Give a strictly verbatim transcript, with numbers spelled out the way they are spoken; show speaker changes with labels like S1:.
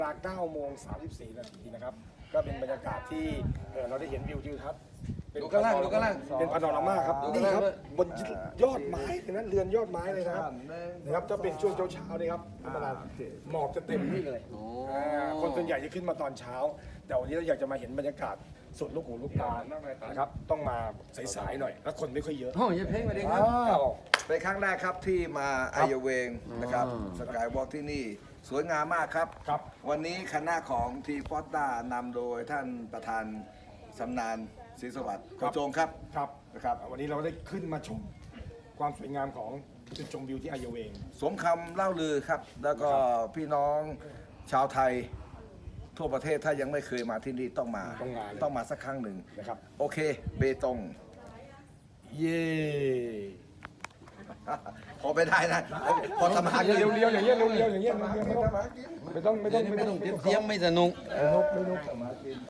S1: เวลาเก้าโมงสามสิบสี่นาทีนะครับก็เป็นบรรยากาศที่เอ่อเราได้เห็นวิวทิวทัศน์เป็น
S2: ดูข้างล่างดูข้างล่าง
S1: เป็นพาโนรามาครับ
S2: ดู
S1: นี่
S2: ข้าง
S1: ค
S2: ล่าง
S1: รับ
S2: ด้วย
S1: บนยอดไม้เลยนะเรือนยอดไม้เลยนะครับนะครับถ้าเป็นช่วงเช้าๆนี่ครับธรรมดาหมอกจะเต็มที่เลยอ่าคนส่วนใหญ่จะขึ้นมาตอนเช้า แต่วันนี้เราอยากจะมาเห็นบรรยากาศสุดลูกหูลูกตานะครับต้องมาสายๆหน่อยแล้วคนไม่ค่อยเยอะ
S2: โอ้ยเพลงมาดีครับ
S1: อ้าว
S3: เป็นครั้งแรกครับที่มาไอเยเวงนะครับ
S2: อ๋อ
S3: สกายวอล์กที่นี่สวยงามมากครับ
S1: ครับ
S3: วันนี้คณะของทีฟอสตานำโดยท่านประธานสำนานศรีสวัสดิ์โคจงครับ
S1: ครับ
S3: นะครับ
S1: วันนี้เราได้ขึ้นมาชมความสวยงามของจุดชมวิวที่อายเวง
S3: สมคำเล่าลือครับ แล้วก็พี่น้องชาวไทยทั่วประเทศถ้ายังไม่เคยมาที่นี่ต้องมา
S1: ต้องมาเลย
S3: ต้องมาสักครั้งหนึ่ง
S1: นะครับ
S3: โอเค เบตง
S1: เย่
S3: พอไปได้นะ พอทำอาหาร
S1: เรียวๆอย่างเงี้ยเรียวๆอย่างเงี้ยไม่ต้องไม่ต้องไม่ต้อง
S2: ไม่ต้องเตรียมไม่สนุก
S1: ไม่นุกไม่นุก